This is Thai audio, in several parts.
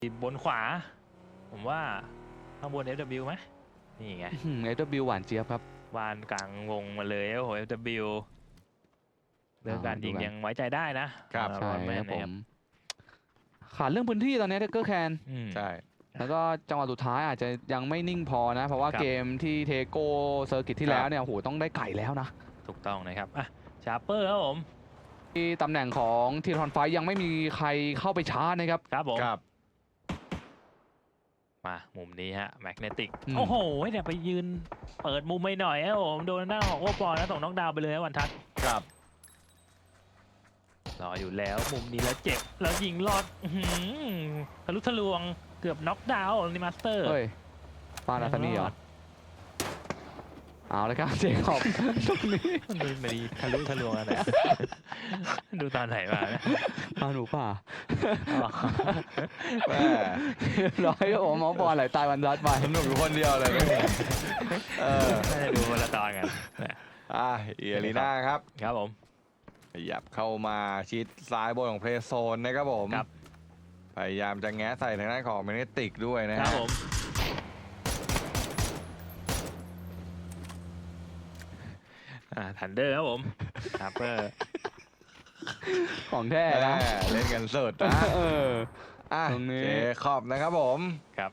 บนขวาผมว่าข้างบน FW ไหมนี่ไง FW หวานเจี๊ยบครับวานกลางวงมาเลยโอ้โห FW เรื่องการยิงยังไว้ใจได้นะครับใช่ครับผนะมขาดเรื่องพื้นที่ตอนนี้เทเกอร์แคนใช่แล้วก็จังหวะสุดท้ายอาจจะยังไม่นิ่งพอนะ เพราะว่าครับเกมที่เทโกเซอร์กิตที่แล้วเนี่ยโอ้โหต้องได้ไก่แล้วนะถูกต้องนะครับอ่ะชาร์เปอร์ครับผมที่ตำแหน่งของทีทอนไฟยังไม่มีใครเข้าไปชาร์จนะครับครับผมครับมามุมนี้ฮะแมกเนติกอืมโอ้โหเดี๋ยวไปยืนเปิดมุมไม่หน่อยครับผมโดนหน้าของโอปอลนะส่งน็อกดาวน์ไปเลยนะวันทัศน์ครับรออยู่แล้วมุมนี้แล้วเจ็บแล้วยิงลอดอื้อหือทะลุทะลวงเกือบน็อกดาวน์นิมาสเตอร์เฮ้ยฟาดาซานี่เหรอเอาเลยครับเจคอบตรงนี้ดูไม่ดีทะลุทะลวงอะไร ดูตอนไหนมาเนี่ยมาหนูป่าอ๋อแม่ร้อยโอ้หมอบอลไหลตายวันรัดไปสนุกอยู่คนเดียวเลยน่าจะดูคนละตอนกันนะเอียรีน่าครับครับผมขยับเข้ามาชิดซ้ายบนของเพลย์โซนนะครับผมครับพยายามจะแง้ใส่ทางด้านของแมกเนติกด้วยนะคฮะรับผมทันเดอร์ครับผมฮาร์เปอร์ของแท้แม่นะเล่นกันสุดนะเอออ่ะตรงนี้เจคอบนะครับผมครับ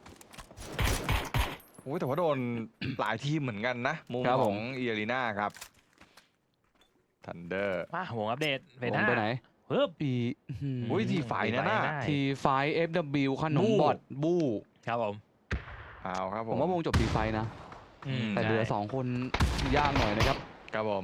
โอ้ยแต่ว่าโดน หลายทีมเหมือนกันนะ มุมของเอียรีน่าครับทันเดอร์มาวงอัปเดตเฟวน่างไปไหนปึ๊บปีอุ้ยทีไฟนะน่ะทีไฟ FW ขนมบู้บอดบู้ครับผมเอาครับผผมว่าวงจบทีไฟนะ แต่เหลือใช่ 2 คนยากหน่อยนะครับครับผม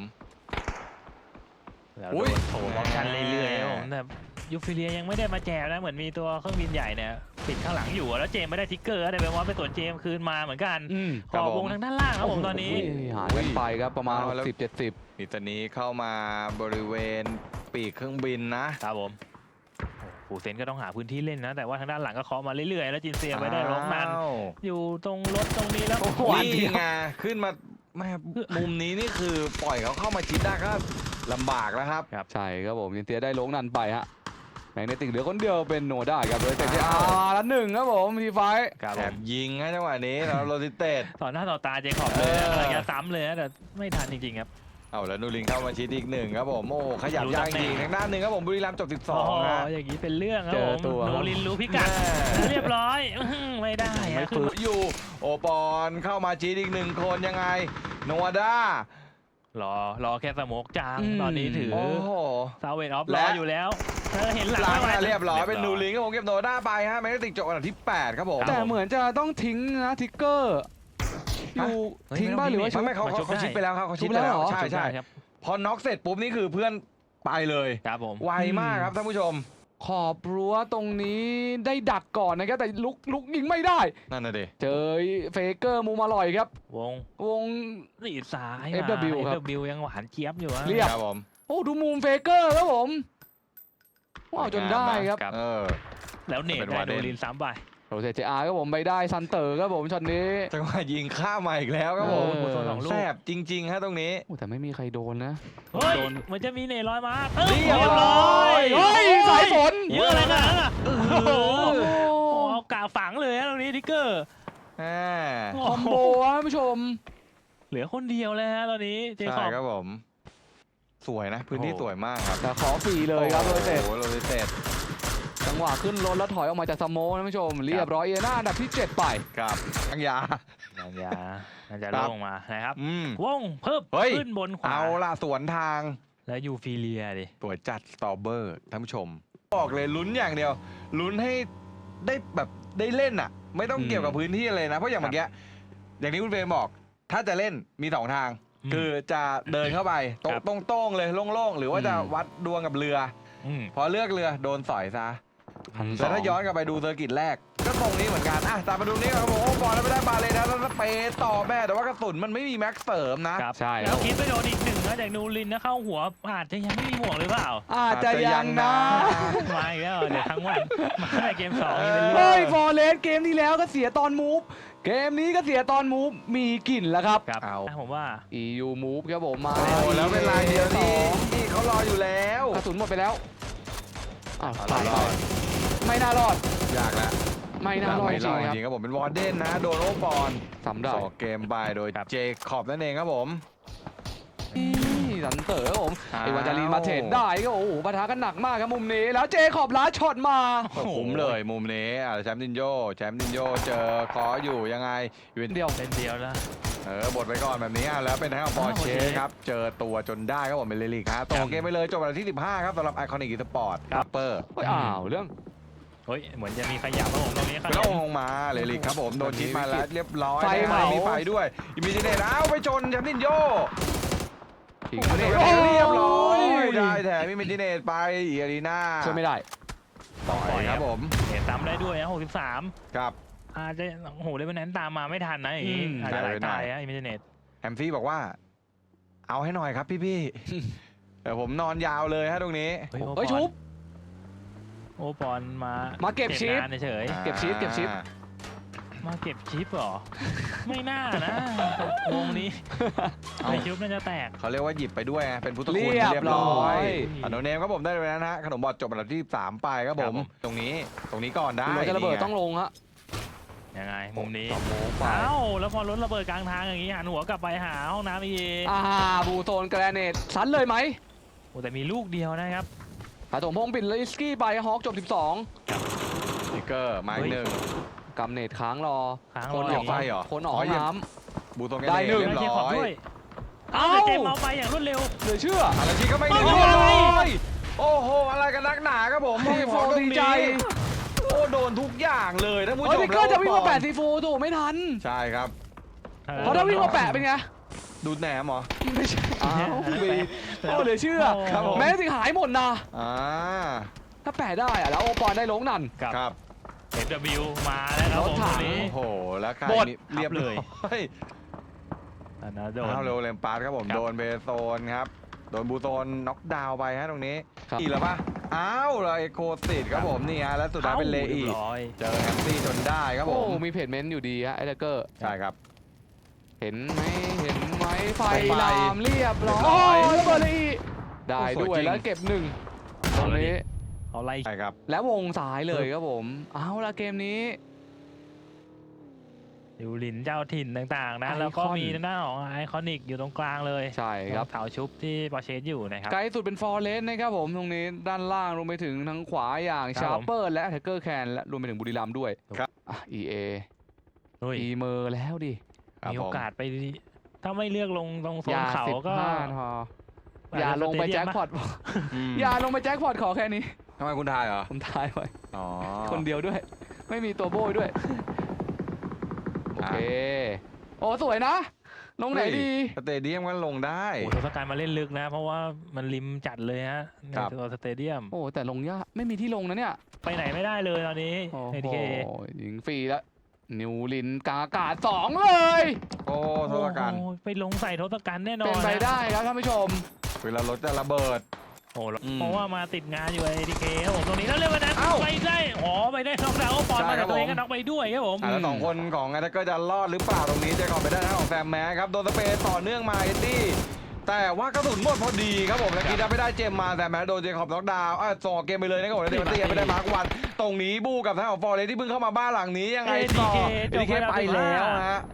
แล้วอุ๊โดยนโถบล็อกกันเรื่อยๆครับผมแม่แต่ยูฟิเลียยังไม่ได้มาแจกนะเหมือนมีตัวเครื่องบินใหญ่เนี่ยปิดข้างหลังอยู่แล้วเจมไม่ได้ทิกเกอร์แต่เป็นว่าไปสวนเจมคืนมาเหมือนกัน ขอบวงทางด้านล่างครับผมตอนนี้หายกันไปครับประมาณ 60-70 นิตานี้เข้ามาบริเวณปีกเครื่องบินนะครับผมฟูเซนก็ต้องหาพื้นที่เล่นนะ แต่ว่าทางด้านหลังก็เคาะมาเรื่อยๆ แล้วจินเซียไปได้ร้องนันอ้าวอยู่ตรงรถตรงนี้แล้วโอ้โหนี่ไงขึ้นมาแม่มุมนี้นี่คือปล่อยเขาเข้ามาชิดได้ก็ลำบากแล้วครับใช่ครับผมยินเตียได้ลงนันไปฮะแมกเนติกเหลือคนเดียวเป็นโนด้าครับเลยแต่ที่อ้าวละหนึ่งครับผมทีไฟครับแอผมบยิงให้จังหวะนี้แล้วโรติเต็ดต่อหน้าต่อตาเจคอบเลยนะเออกำลังจะซ้ำเลยนะแต่ไม่ทันจริงๆครับเอาแล้วนูรินเข้ามาชิดอีกหนึ่งครับผมโอ้โหขยับรู้ยากตำแหน่จริงงทางด้านหนึ่งครับผมบุรีรัมย์จบอ๋อ 12นะอย่างนี้เป็นเรื่องครับเจผอมตัวโนลินรู้พิกัดเรียบร้อยไม่ได้ไม่อะฟื้ขึ้นนอยู่โอปอนเข้ามาชิดอีกหนึ่งคนยังไงโนวาด้ารอแค่สโมกจางตอนนี้ถือโอ้โหซาเวตออฟรและออยู่แล้วเห็นหลังหลังไม่ไหวมาเรียบร้อยเป็นนูรินครับผมเก็บโนวาด้าไปฮะแมกเนติกจบอันดับที่ 8 ครับผมแต่เหมือนจะต้องทิ้งนะทิกเกอร์อยู่เฮ้ยทิ้งบ้างหรือว่าไม่เขามาชุบได้ชิดไปแล้วครับเขาชิดชุบไปแล้วแล้วเหรอใช่ใช่ครับพอน็อกเสร็จปุ๊บนี่คือเพื่อนไปเลยครับผมไวมากครับท่านผู้ชมขอบรั้วตรงนี้ได้ดักก่อนนะครับแต่ลุกยิงไม่ได้นั่นน่ะดิเจอเฟเกอร์มุมอร่อยครับวงวงสีซ้าย FW ครับ FW ยังหวานเจี๊ยบอยู่อะเรียบครับผมโอ้ดูมุมเฟเกอร์ครับผมว้าวจนได้ครับครับเออแล้วเนตเป็นได้วาเดโดนลินซ้ำไปโรเซเจอาร์ครับผมไปได้ซันเตอร์ครับผมช็อตนี้จังหวะยิงข้ามมาอีกแล้วครับผมเออโซนสองลูกแซบจริงๆฮะตรงนี้โอ้แต่ไม่มีใครโดนนะเฮ้ยโดนมันจะมีเนตลอยมาเรียบเรียบร้ร้ออย ยเฮ้ยสายฝนเยอะเลยนะโอ้โหโอ้เอากาฝังเลยนะตรงนี้ทิกเกอร์แหมคอมโบฮะท่านผู้ชมเหลือคนเดียวเลยฮะตอนนี้เจคใช่อบครับผม สวยนะ พื้นที่สวยมากครับแต่ขอฟรีเลยครับโรเซตโอ้โหโรติเต็ดจังหวะขึ้นรถแล้วถอยออกมาจากสโมท่านผู้ชม เรียบร้อยเอน่าอันดับที่ 7 ไปครับทั้งยาน่าจะครับลงมานะครับอืมวงเพิ่มเฮ้ยขึ้นบนขวาเอาล่ะสวนทางแล้วยูฟิเลียดิสวยจัดสตอเบอร์ท่านผู้ชม บอกเลยลุ้นอย่างเดียว ลุ้นให้ได้แบบได้เล่นอ่ะ ไม่ต้องเกี่ยวกับพื้นที่เลยนะ เพราะอย่างเมื่อกี้อย่างที่คุณเฟรมบอก ถ้าจะเล่นมี2ทาง คือจะเดินเข้าไปตรงๆเลยโล่งๆ หรือว่าจะวัดดวงกับเรือมพอเลือกเรือโดนสอยซะ 1,200 แต่ถ้าย้อนกลับไปดูเซอร์กิตแรก ก็ตรงนี้เหมือนกันอ่ะตามมาดูนี่ครับผมโอ้บอลแล้วไม่ได้บาเลยนะแล้วเปต่อแม่แต่ว่ากระสุนมันไม่มีแม็กเสริมนะครับใช่คแล้รัวบคิดไปโดนอีกหนึ่งนะจากนูรินนะเข้าหัวอาจจะยังไม่มีหมวกหรือเปล่าอาจจะยังนะมาอีกแล้วเดี๋ยวทั้งวันมาในเกม2นี่เป็นเรื่เฮ้ยองฟอร์เรสเกมที่แล้วก็เสียตอนมูฟ เกมนี้ก็เสียตอนมูฟ มีกลิ่นแล้วครับครับเอาผมว่า EU move ครับผมมาโอ้แล้วเป็นลายเดียวสที่องที่เขารออยู่แล้วกระสุนหมดไปแล้วอ้าวเอาตายรไปอดไม่น่ารอดเยากแล้วไม่น่ารอดจไม่รริอง ดๆครับจริงครับผมเป็นวอร์เดนนะโดนโอปอนทำได้สอเกมไปโดยเจคอบนั่นเองครับผมนี่สันเต๋อครับผมอ้าวไอ้วันจารีนมาเทรดได้ก็โอ้โหปะทะกันหนักมากครับมุมนี้แล้วเจคอบลัดช็อตมาคุ้มเลยมุมนี้แชมป์นินโยเจอขออยู่ยังไงอยู่เป็นเดียวเป็นเดียวแล้วบทไปก่อนแบบนี้แล้วเป็นทางของปอร์เช่ครับเจอตัวจนได้ครับผมเป็นเลลิกครับต่อเกมไปเลยจบวันที่ 15 ครับสำหรับไอคอนิกอีสปอร์ตเปอร์เฮ้ยอ้าวเรื่องเฮ้ยเหมือนจะมีขยับครับผมตรงนี้ขเป็นยัลบงมาเลลิกครับผมโดนชิปมาแล้วเรียบร้อยไฟเหมามีมีไฟด้วยอิมิจิเนตไปชนแชมป์นินโยทิ้งเรียบร้อยได้แถมอิมิจิเนตไปอีอารีนาช่วยไม่ได้ต่อยครับผมเห็นตามได้ด้วยนะ63 ครับอาจจะโอ้โหเลยวันนั้นตามมาไม่ทันนะอย่างนี้อาจจะหลายตายอะอิมเมจเน็ตแฮมฟี่บอกว่า เอาให้หน่อยครับพี่เดี๋ยวผมนอนยาวเลยฮะตรงนี้เฮ้ยชุบโอปอนมาเก็บชิปงานเฉยเก็บชิปมาเก็บชิปเหรอ ไม่น่านะวงนี้ไอชิปน่าจะแตกเขาเรียกว่าหยิบไปด้วยไงเป็นพุทธคุณเรีเรียยบบ ร้ร้ออย ยอันโนเนมครับผมได้ไปแล้วนะฮะขนมบอดจบอันดับที่ 3 ไปครับผมตรงนี้ก่อนได้รถจะระเบิดต้องลงฮะยังไงมุมนี้ต่อโมงไปเอ้าแล้วพอรถระเบิดกลางทางอย่างนี้หันหัวกลับไปหาห้องน้ำอีบูโซนแกรเนตซันเลยไหมโอ้แต่มีลูกเดียวนะครับผาถมพงษ์ปิดลิสกี้ไปฮอกจบสติ๊กเกอร์มาอีกหนึ่ง 12กำเนตค้างรอค้างคนรอออกไฟเหรอคนออกห้องน้บูโตงได้หนึ่งเรียบเจร้ขอบอยด้วยำเอ้าเจมเอาไปอย่างรวดเร็วเหลือเชื่ออะไรที่ก็ไม่เฮ้เรียยบร้อะไรอยโอ้โหอะไรกันนักหนาครับผมทีโฟตรงดีนี้ใจโอ้โดนทุกอย่างเลยท่านผู้ชเฮ้ยมติ๊กเกอร์จะวิ่งมาแปะซีฟูถูกไม่ทันใช่ครับเพราะถ้าวิ่งมาแปะเป็นไงดูดแหนมเหรอไม่ใช่อ้าววีโอ้เหลือเชื่อครับผมแม้ถึงหายหมดนะอ่าถ้าแปะได้อะแล้วโอปอนได้ลงนั่นกับครับ FW มาแล้วครับรผถมถัตงรงนี้โอ้โหแล้วใครบดนี่เรียบเลยร้อยอันนั้นโดนเอาเร็วเลมปาร์ครับผมครับโดนเบโซนครับโดนบูโซนน็อกดาวน์ไปฮะตรงนี้ครับอีกแล้วปะอ้าวเลยโคติดครับผมนี่ฮะแล้วสุดท้ายเป็นเลอีรียบร้อยเจอแฮมซี่จนได้ครับผโอ้มมีเพจเมนต์อยู่ดีฮะไอ้เดกเกอร์ใช่ครับเห็นไหมไฟไฟลามเรียบร้อเรียบร้อยยระเบิดเลยอีกได้โอ้สวยด้วยจริงแล้วเก็บหนึ่งตรงนี้เอาไล่ใช่ครับแล้ววงซ้ายเลยครับผม เอาละเกมนี้ดิวลินเจ้าถิ่นต่างๆนะไอคอนแล้วก็มีหน้าของไอคอนิกอยู่ตรงกลางเลยใช่ครับเสาชุบที่ปอร์เชสอยู่นะครับไกลสุดเป็นฟอร์เรสนะครับผมตรงนี้ด้านล่างรวมไปถึงทางขวาอย่างครับชาร์เปอร์และแท็กเกอร์แคนและรวมไปถึงบุรีรัมย์ด้วยครับอ่ะ EA เฮ้ยอีเมอร์แล้วดิครับมีโอกาสไปถ้าไม่เลือกลงตรงโซนเขาก็ 15พออย่าลงไปแจ็คพอตอืมอย่าลงไปแจ็คพอตขอแค่นี้ทำไมคุณทายเหรอผมทายไว้อ๋อคนเดียวด้วย ไม่มีตัวโบยด้วย โอเค โอ้สวยนะ ลงไหนดีสเตเดียมก็ลงได้โอ้โหทศกัณฐ์มาเล่นลึกนะ เพราะว่ามันริมจัดเลยฮะในครับตัวสเตเดียมโอ้แต่ลงยากไม่มีที่ลงนะเนี่ยไปไหนไม่ได้เลยตอนนี้โอ้เอโหทีเคยิงฟรีแล้ว นิวลินกากาศ2เลยโอ้โทษกันไปลงใส่ทศกัณฐ์แน่นอนเป็นไปได้ครับท่านผู้ชมเวลารถจะระเบิดโอ้โหอืมเพราะว่ามาติดงานอยู่เอทีเคครับผมตรงนี้แล้วเรื่องวันนั้นเอ้าไปได้ไปได้น็อกดาวน์ปอนใช่มาครัแต่บตัวเองผมก็น็อกไปด้วยครับผมแล้วสองคนของไอ้ก็จะรอดหรือเปล่าตรงนี้เจคอบไปได้ทางของแซมแม้ครับโดนสเปรย์ต่อเนื่องมาเอ็ดดี้แต่ว่ากระสุนหมดพอดีครับผมแล้วกีได้ไม่ได้เจมมาแต่แม้โดนเจคอบน็อกดาวน์ส่งออกเกมไปเลยนะครับผมแล้วเดมันตี้ไม่ได้มาร์ควันตรงนี้บูกับทางของฟอร์เรสที่เพิ่งเข้ามาบ้านหลังนี้ยังไงต่อเอทีเคไปแล้วฮะ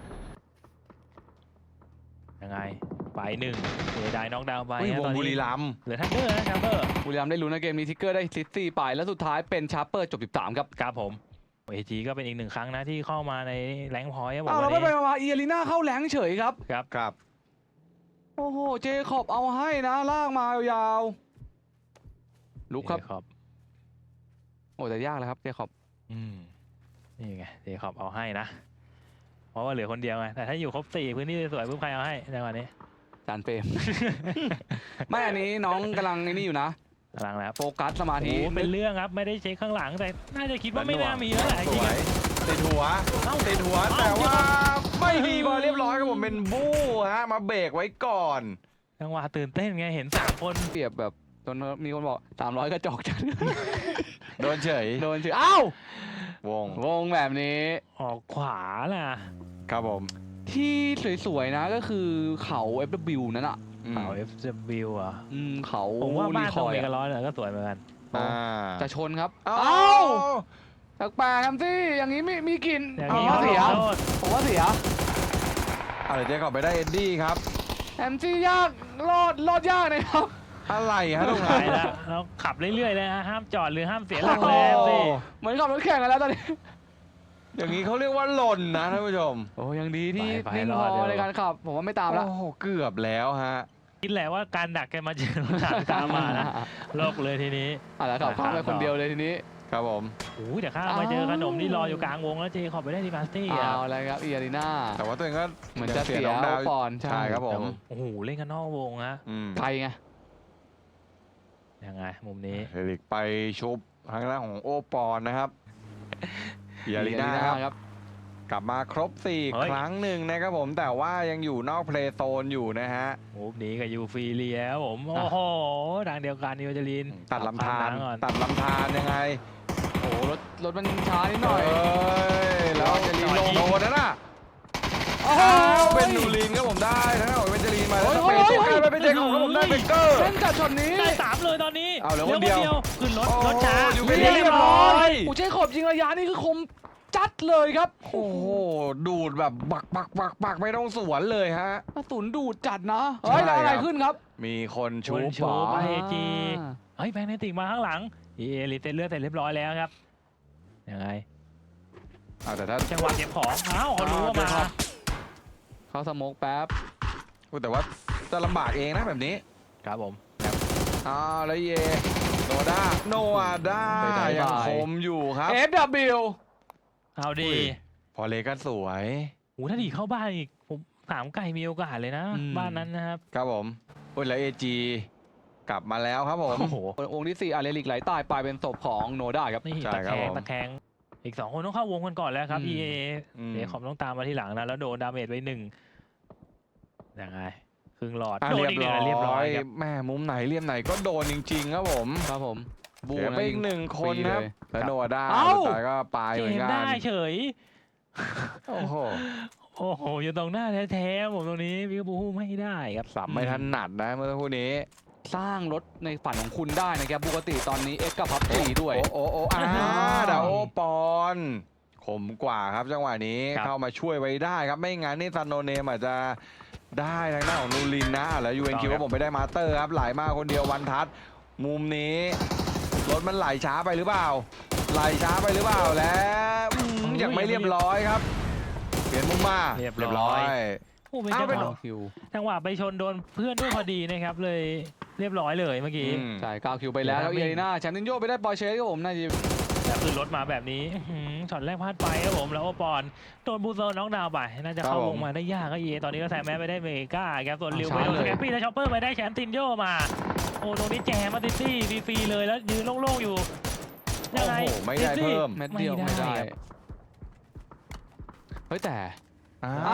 ยังไงไปหนึ่งเสียดายน็อกดาวน์ไปอุ้ยวฮะงตอนบุนี้รีรัมย์เหลือทันเดอร์นะทันเดอร์บุรีรัมย์ได้ลุ้นนะเกมนี้ทิกเกอร์ได้ซิตี้ไปแล้วสุดท้ายเป็นชาร์เปอร์จบ 13 ครับครับผมเอจีก็เป็นอีกหนึ่งครั้งนะที่เข้ามาในแรงค์พอยต์ครับผมอ้าววัเรานไม่นี้ไปมาอีอารีนาเข้าแหลงเฉยครับครับครับโอ้โห เจคอบเอาให้นะ ลากมายาวๆลุกครับเจคอบโอ้แต่ยากเลยครับเจคอบนี่ไงเจคอบเอาให้นะ เพราะว่าเหลือคนเดียวไงแต่ถ้าอยู่ครบ4พื้นที่สวยๆปุ๊บใครเอาให้ในวันนี้จานเฟรม ไม่อันนี้น้องกำลังไอ้นี่อยู่นะกำลังแล้วโฟกัสสมาโอ้ธิโหเป็นเรื่องครับไม่ได้เช็คข้างหลังแต่น่าจะคิดว่าไม่น่ามีแล้วแหละจสริงวๆยอะติดหัวติดหัวแต่ว่าไม่ดีพอเรียบร้อยครับผมเป็นบู้ฮะมาเบรกไว้ก่อนจังหวะตื่นเต้นไงเห็น3 คนเปรียบแบบจนมีคนบอก300กระจอกจังโดนเฉยโดนเฉยอ้าววงวงแบบนี้ออกขวาล่ะครับผมที่สวยๆนะก็คือเขา FW นั่นอ่ะเขา FW อ่ะเขาผมว่าบ้านตรงเมรีคกาอยลอนเนี่ยก็สวยเหมือนกันอ่าจะชนครับเอ้าเอ้าแปลกๆครับที่อย่างนี้มีกลิ่นอย่างผมนี้ว่าเขาเสียลงโทษผมว่าเสียเดี๋ยวเจ๊ขอบไปได้เอ็ดดี้ครับแอมซี่ยากรอดยากนะครับอะไรฮะตรงไหนไปแล้วเราขับเรื่อยๆเลยฮะห้ามจอดหรือห้ามเสียหลักเลยสิเหมือนขับรถแข่งกันแล้วตอนนี้อย่างนี้เขาเรียกว่าหล่นนะท่านผู้ชมโอ้ยังดีที่ไปนิ่งรพอดเดี๋อยวในการขับ ผมว่าไม่ตามแล้วโอ้โหเกือบแล้วฮะคิดแหละว่าการดักแกมาเจอรถถังตามมานะโลกเลยทีนี้แล้วขับเข้าไปคนเดียวเลยทีนี้ครับผมโอ้ยเดี๋ยวข้ามมาเจอขนมที่รออยู่กลางวงแล้วเจขอบไปได้ที่มาสตี้อ่ะเอาอะไรครับอีอารีนาแต่ว่าตัวเองก็เหมือนจะเสียน้องดาวปอนด์ใช่ใช่ครับผมโอ้โหเล่นกันนอกวงฮะไกลไงยังไงมุมนี้เฮลิกไปชุบทางด้านของโอปอนนะครับยาลีน่าครับ กลับมาครบเฮ้ 4 ยครั้งหนึ่งนะครับผมแต่ว่ายังอยู่นอกเพลย์โซนอยู่นะฮะมุมนี้กับยูฟีเลียครับผมโอ้โหทางเดียวกันนิวจารินตัดลำธารก่อนตัดลำธารยังไงโอ้โหรถมันช้านิดหน่อยเอ้ยแล้วจะลีนลงโดนนะน่ะโอ้โหเป็นนูรินครับผมได้ทั้งนั้นของเป็นจลีนมาแล้วโอ้เป็นยตัวใกล้ไปเป็นเจของครับผมได้เบเกอร์เส้นกัดช็อตนี้ได้3เลยตอนนี้เอาเหลือคนเดียวขึ้นรถช้าโอ้อยู่เป็นเรียบร้อยยอูเจ๊ขอบยิงระยะนี่คือคมจัดเลยครับโอ้โหดูดแบบบักไม่ต้องสวนเลยฮะกระสุนดูดจัดนะเฮ้ยแล้วอะไรขึ้นครับมีคนชูคนชูป๋าไป AG เฮ้ยแบงค์เนติกมาข้างหลังรีเซ็ตเลือดเสร็จเรียบร้อยแล้วครับยังไงแต่ถ้าจังหวะเก็บของอ้าวเขารู้ว่ามาเขาสโมกแป๊บแต่ว่าจะลำบากเองนะแบบนี้ครับผมแล้วเยโนด้าโนอาด้าไปได้ยังบายคมอยู่ครับ FW เอาดีพอเลก็สวยโอ้ถ้าดีเข้าบ้านอีกผมสามไก่มีโอกาสเลยนะอืมบ้านนั้นนะครับครับผมแล้วเอจีกลับมาแล้วครับผมโอ้โหองค์ที่ 4อาเลริกไหลตายไปเป็นศพของโนด้าครับนี่ใช่ตะครัแคบงผมตะแคงอีก2 คนต้องเข้าวงกันก่อนแล้วครับ EA เดี๋ยวขอมต้องตามมาที่หลังนะแล้วโดนดาเมจไป1ยังไงครึ่งหลอดโดนอีกหนึ่งเรียบร้อยครับแม่มุมไหนเหลี่ยมไหนก็โดนจริงๆครับผมครับผมเสียไปอีก1 คนครับฟรีเลยแล้วโนอาด้าเอ้าสุดท้ายก็ไปเจเหมือมนกัได้นเฉยโอ้โหโอ้โหอยู่ตรงหน้าแท้ๆผมตรงนี้วิกบูฮูไม่ได้ครับสับไม่ถนัดนะเมื่อสักครู่นี้สร้างรถในฝันของคุณได้นะครับปกติตอนนี้เอ็กกับพับจีด้วยโอ้ดาวโอปอนขมกว่าครับจังหวะนี้ครับเข้ามาช่วยไว้ได้ครับไม่งั้นนี่ซันโนเนมอาจจะได้ทางด้านของนูรินนะแล้วยูเอ็นคิวว่าผมไปได้มาสเตอร์ครับไหลมาคนเดียววันทัศน์มุมนี้รถมันไหลช้าไปหรือเปล่าไหลช้าไปหรือเปล่าแล้วยังไม่เรียบร้อยครับเปลี่ยนมุมมาเรียบร้อย โอ้เป็นจังหเป็นวะคิวจังหวะไปชนโดนเพื่อนด้วยพอดีนะครับเลยเรียบร้อยเลยเมื่อกี้ใช่9คิวไปแล้วแล้วเอรีนาแชมป์นินโยไปได้ปอร์เช่ครับผมน่าจะแต่คือรถมาแบบนี้ช็อตแรกพลาดไปครับผมแล้วโอปอนโดนบูโซน็อกดาวน์ไปน่าจะเข้าวงมาได้ยากก็เยตอนนี้ก็แซมแม้ไปได้เมกาครับส่วนริวไปโดนสแกปปี้แล้วช็อปเปอร์ไปได้แชมป์ตินโยมาโอ้ตรงนี้แจมมาติตี้ฟรีๆเลยแล้วยืนโล่งๆอยู่ยังไงโอ้โหไม่ได้เพิ่มเม็ดเดียวไม่ไม่ได้ได้ครับเฮ้ยแต่อ่า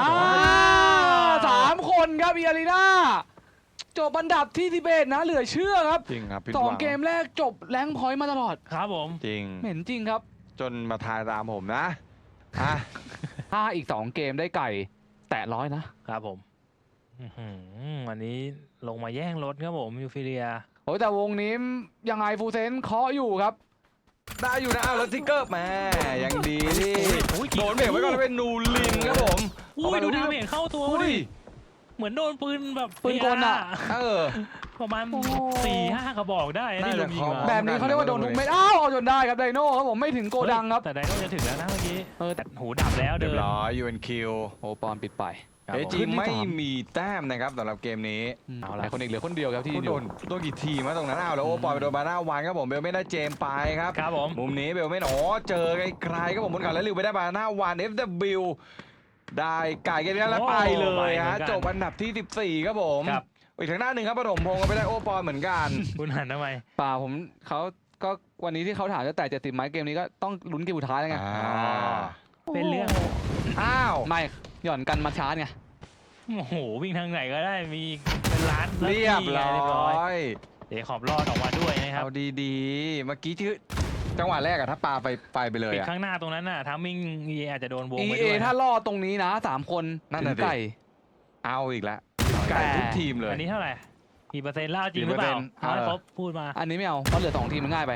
3 คนครับเอรีนาจบอันดับที่11นะเหลือเชื่อครับจริงครับผิดสหองวังเกมแรกจบแรงค์พอยต์มาตลอดครับผมจริงเหม็นจริงครับจนมาทายตามผมนะอ่ะถ้าอีก 2 เกมได้ไก่ แตะ100นะครับผมวันนี้ลงมาแย่งรถครับผมยูฟิเลียโอ้ยแต่วงนี้ยังไงฟูเซนเคาะอยู่ครับได้อยู่นะแล้วทิกเกอร์แหม่ยังดีที่โอ้ยโดนเบรกไว้ก่อนแล้วเป็นนูรินครับผมอุ้ยดูดาเมจเข้าตัวอุ้ยดิเหมือนโดนปืนแบบปืนกลอะเออประมาณโอ้ 4-5 กระบอกได้ที่น่าลุจะมยิงเข้ามาแบบนี้เขาเรียกว่าโดนทุกเม็ดอ้าวเอาจนได้ครับไดโน่ครับผมไม่ถึงโกดังครับแต่ไดโน่จะถึงแล้วนะเมื่อกี้แต่หูดับแล้วเรีเดิยบนร้อย UNQ โอปอนปิดไปครับเอผมจีไม่มีแต้มนะครับสำหรับเกมนี้เอาละคนอีกเหลือคนเดียวครับที่โดนกี่ทีมาตรงนั้นอ้าวแล้วโอปอยไปโดนบาน่าวันครับผมเบลไม่ได้เจมไปครับครับผมมุมนี้เบลไม่เจอไกลๆครับผมบนเขาแล้วริวไปได้บาน่าวัน FW ได้ไก่กันแล้วไปเลยฮะจบอันดับที่ 14ครับผมครับอีกทางหน้าหนึ่งครับปฐมพงศ์ก็ไปได้โอปอยเหมือนกันคุณหันทำไมป่าผมเขาก็วันนี้ที่เขาถามจะแตะ70ไหมเกมนี้ก็ต้องลุ้นเกมสุดท้ายแล้วไงเป็นเรื่องอ้าวไม่หย่อนกันมาชาร์จไงโอ้โหวิ่งทางไหนก็ได้มีเป็นล้านเรียบร้เรียบร้อยอยเดี๋ยวขอบรอดออกมาด้วยนะครับเอาดีๆ เมื่อกี้ชื่อจังหวะแรกอะถ้าปาไปเลยปิดอะข้างหน้าตรงนั้นน่ะทามมิ่งอาจจะโดนวงเอไปเอด้วยถ้ารอดตรงนี้นะ3 คนนั่นถึน่ะงดิไก่เอาอีกแล้วไก่ทุกทีมเลยอันนี้เท่าไหร่กี่เปอร์เซ็นต์เล่าจริงหรือเปล่ากี่เปอร์เซ็นต์เอาให้ครบพูดมาอันนี้ไม่เอาเพราะเหลือ2 ทีมมันง่ายไป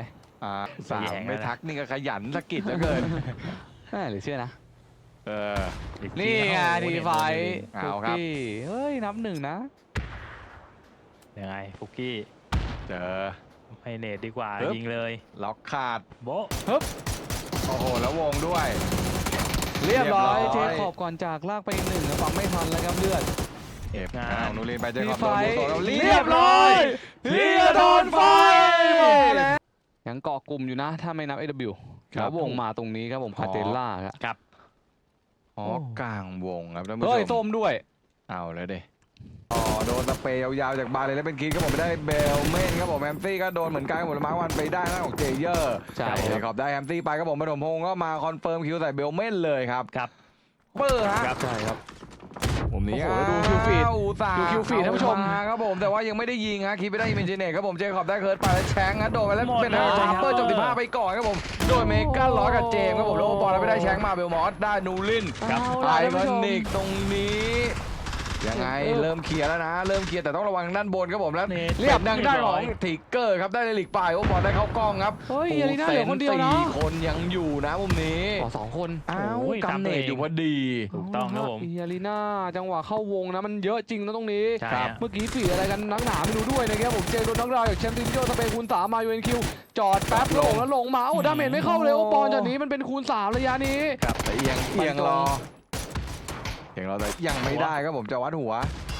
สามแย่งไม่แล้วนะทักนี่ก็ขยันสะกิดเหลือเกินหรือเชื่อนะเอออีกนี่ไงโอ้โหทีไฟเอาครับเฮ้ยนับหนึ่งนะยังไงฟุกกี้เจอให้เนตดีกว่าปึ๊บยิงเลยล็อกขาดโบ๊ะโอ้โห แล้ววงด้วยเรียบร้อยเรียบร้อยเทขอบก่อนจากลากไปหนึ่งฟังไม่ทันแล้วครับเลือดเก็บงานเอานูรินไปเจอทีขอบไฟโดนบูโซแล้วเรียบร้อยเทียโดนไฟมาแล้วยังเกาะกลุ่มอยู่นะ ถ้าไม่นับ AW แล้ววงมาตรงนี้ครับผมคาเตล่าครับครับอ๋อกลางวงครับท่านผู้ชเฮ้ยมส้มด้วยเอาเลยดิโดนสเปรย์ยาวๆจากบาร์เลยแล้วเป็นคิดครับผมไม่ได้เบลเมนครับผมแฮมซี่ก็โดนเหมือนกันครับผมมาร์ควันไปได้หน้าของเจเยอร์ใช่ครับครับขอบได้แฮมซี่ไปครับผมปฐมพงศ์ก็มาคอนเฟิร์มคิวใส่เบลเมนเลยครับครับเปอร์ฮะครับใช่ครับผมนี้โอ้โหดูคิวฟีดอุตส่าห์ดูคิวฟีดท่านผู้ชมเอครับผมแต่ว่ายังไม่ได้ยิงฮะคิดไม่ได้ยิงเป็นเจเนตครับผมเจคอบได้เคิร์ดไปแล้วแชงค์นะโดนไปแล้วหมดเป็นเลยชาร์เปอร์จบ15ไปก่อนครับผมโดยเมกาล้อกับเจมส์ครับผมแล้วโอปอลแล้วไม่ได้แชงค์มาเบลมอสได้นูรินครับเอาไอล่ะท่านคอผู้ชมนิกตรงนี้ยังไงเริ่มเคลียร์แล้วนะ เริ่มเคลียร์แต่ต้องระวังด้านบนครับผมแล้วเนตเรียบดังได้านเรียบร้ขออย งทิกเกอร์ครับได้ในลีกปลายโอปอลได้เข้ากล้องครับเฮ้ยอารีน่าเหลือคนเดียวนะสี่คนยังอยู่นะมุมนี้ขอ2 คนอ้าวโอ้ยกำเนิดอยู่พอดีถูกต้องครับผมอารีน่าจังหวะเข้าวงนะมันเยอะจริงนะตรงนี้ใช่ครับฮะเมื่อกี้ฝีอะไรกันนักหนาไม่รู้ด้วยนะครับผมเจโดนนักรายจากแชมป์ตินโยสเปนคูณ3มายูเอ็นคิวจอดแป๊บลงแล้วลงมาโอ้ดาเมจไม่เข้าเลยโอปอนจากนี้มันเป็นคูณ3ระยะนี้แต่เอียงรอแต่ยังไม่ได้ครับผมจะวัดหัว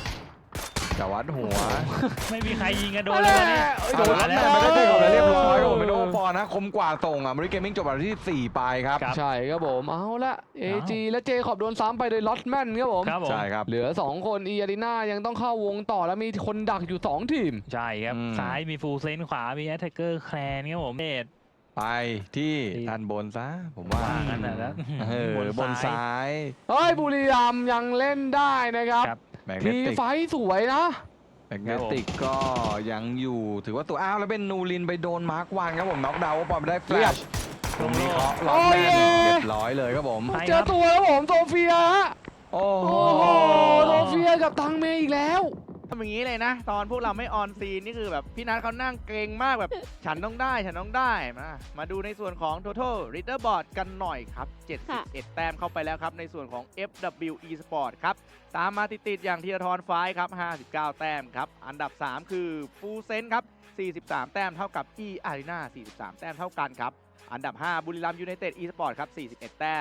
ไม่มีใครยิงกันโดนเลยวันนี้โดนมาแล้แล้ว วไม่ได้ตีออกเลยเรียบร้อยครับผมเป็นโอปอลนะคมกว่าส่งอ่ะมริเกมมิ่งจบอันดับที่4ไปครับครับใช่ครับผมเอาละเอจีและเจขอบโดนซ้ำไปโดยลอตแมนครับผมครับผมใช่ครับเหลือ2 คนอารีน่ายังต้องเข้าวงต่อแล้วมีคนดักอยู่2 ทีมใช่ครับอืมซ้ายมีฟูลเซนขวามีแอตแทกเกอร์แคลนครับผมเนตไปที่ด้านบนซะผมว่าว่างั้นนะแล้วบนซ้ายเฮ้ยบุรีรัมย์ยังเล่นได้นะครับครับแมกเนทีติกไฟสวยนะแมกเนติกก็ยังอยู่ถือว่าตัวอ้าวแล้วเป็นนูรินไปโดนมาร์ควันครับผมน็อกดาวน์ปอลไปได้แฟลชตรงนี้เคาะล็อกแมนเรียบร้อยเลยครับผมไปเจอตัวแล้วผมโซเฟียฮะโอ้โหโอ้โหโซเฟียกับตังเมย์อีกแล้วทำอย่างนี้เลยนะ ตอนพวกเราไม่ออนซีนนี่คือแบบพี่นัทเขานั่งเกรงมากแบบ ฉันต้องได้ฉันต้องได้มาดูในส่วนของ Total Leaderboard กันหน่อยครับ 71 แต้มเข้าไปแล้วครับ ในส่วนของ FW Esport ครับ ตามมาติดๆอย่างธีรทรไฟท์ครับ 59 แต้มครับ อันดับ 3 คือฟูเซนครับ 43 แต้มเท่ากับ E Arena 43 แต้มเท่ากันครับ อันดับ 5 บุรีรัมย์ยูไนเต็ด Esport ครับ 41 แต้ม